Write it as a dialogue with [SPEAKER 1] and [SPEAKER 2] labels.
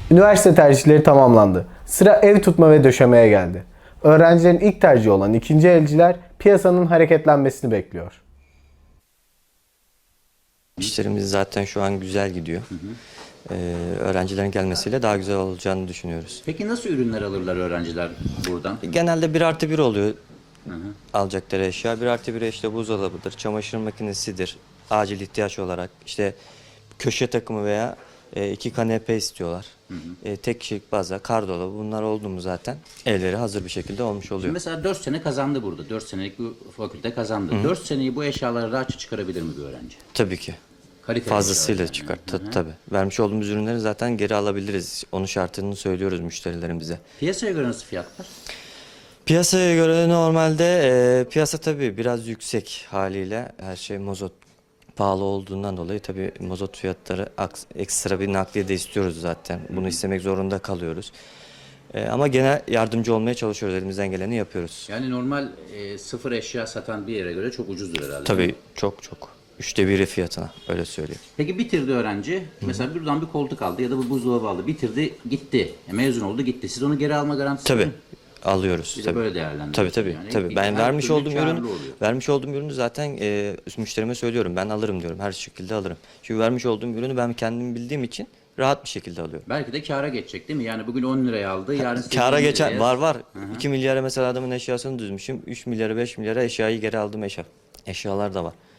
[SPEAKER 1] Üniversite tercihleri tamamlandı. Sıra ev tutma ve döşemeye geldi. Öğrencilerin ilk tercihi olan ikinci elciler piyasanın hareketlenmesini bekliyor.
[SPEAKER 2] İşlerimiz zaten şu an güzel gidiyor. Öğrencilerin gelmesiyle daha güzel olacağını düşünüyoruz.
[SPEAKER 3] Peki nasıl ürünler alırlar öğrenciler buradan?
[SPEAKER 2] Genelde 1+1 oluyor alacakları eşya. 1+1 işte buzdolabıdır, çamaşır makinesidir. Acil ihtiyaç olarak işte köşe takımı veya 2 kanepe istiyorlar. Tek kişilik baza, kardolabı bunlar oldu mu zaten evleri hazır bir şekilde olmuş oluyor.
[SPEAKER 3] Mesela 4 sene kazandı burada. 4 senelik bir fakülte kazandı. 4 seneyi bu eşyaları rahatça çıkarabilir mi bir öğrenci?
[SPEAKER 2] Tabii ki.
[SPEAKER 3] Kaliteli
[SPEAKER 2] Fazlasıyla
[SPEAKER 3] eşyalar yani.
[SPEAKER 2] çıkar. Tabii. Vermiş olduğumuz ürünleri zaten geri alabiliriz. Onun şartını söylüyoruz müşterilerimize.
[SPEAKER 3] Piyasaya göre nasıl fiyatlar?
[SPEAKER 2] Piyasaya göre normalde piyasa tabii biraz yüksek haliyle. Her şey mazot pahalı olduğundan dolayı tabii mazot fiyatları ekstra bir nakliye de istiyoruz zaten. Bunu istemek zorunda kalıyoruz. Ama gene yardımcı olmaya çalışıyoruz. Elimizden geleni yapıyoruz.
[SPEAKER 3] Yani normal sıfır eşya satan bir yere göre çok ucuzdur herhalde.
[SPEAKER 2] Tabii çok çok. 1/3 fiyatına öyle söyleyeyim.
[SPEAKER 3] Peki bitirdi öğrenci. Mesela buradan bir koltuk aldı ya da bir buzdolabı aldı. Bitirdi, gitti. Mezun oldu, gitti. Siz onu geri alma garantisi
[SPEAKER 2] Tabii.
[SPEAKER 3] mi?
[SPEAKER 2] alıyoruz.
[SPEAKER 3] Bir de
[SPEAKER 2] tabii.
[SPEAKER 3] böyle değerlendiriyorsunuz.
[SPEAKER 2] Tabii.
[SPEAKER 3] Yani
[SPEAKER 2] Tabii. Ben
[SPEAKER 3] her
[SPEAKER 2] vermiş
[SPEAKER 3] türlü
[SPEAKER 2] olduğum
[SPEAKER 3] karlı
[SPEAKER 2] ürünü
[SPEAKER 3] oluyor.
[SPEAKER 2] zaten müşterime söylüyorum. Ben alırım diyorum. Her şekilde alırım. Çünkü vermiş olduğum ürünü ben kendim bildiğim için rahat bir şekilde alıyorum.
[SPEAKER 3] Belki de kâra geçecek değil mi? Yani bugün 10 liraya aldı, yarın 8
[SPEAKER 2] Kâra
[SPEAKER 3] liraya.
[SPEAKER 2] geçen var. 2 milyara mesela adamın eşyasını düzmüşüm. 3 milyara 5 milyara eşyayı geri aldım eşyalar da var.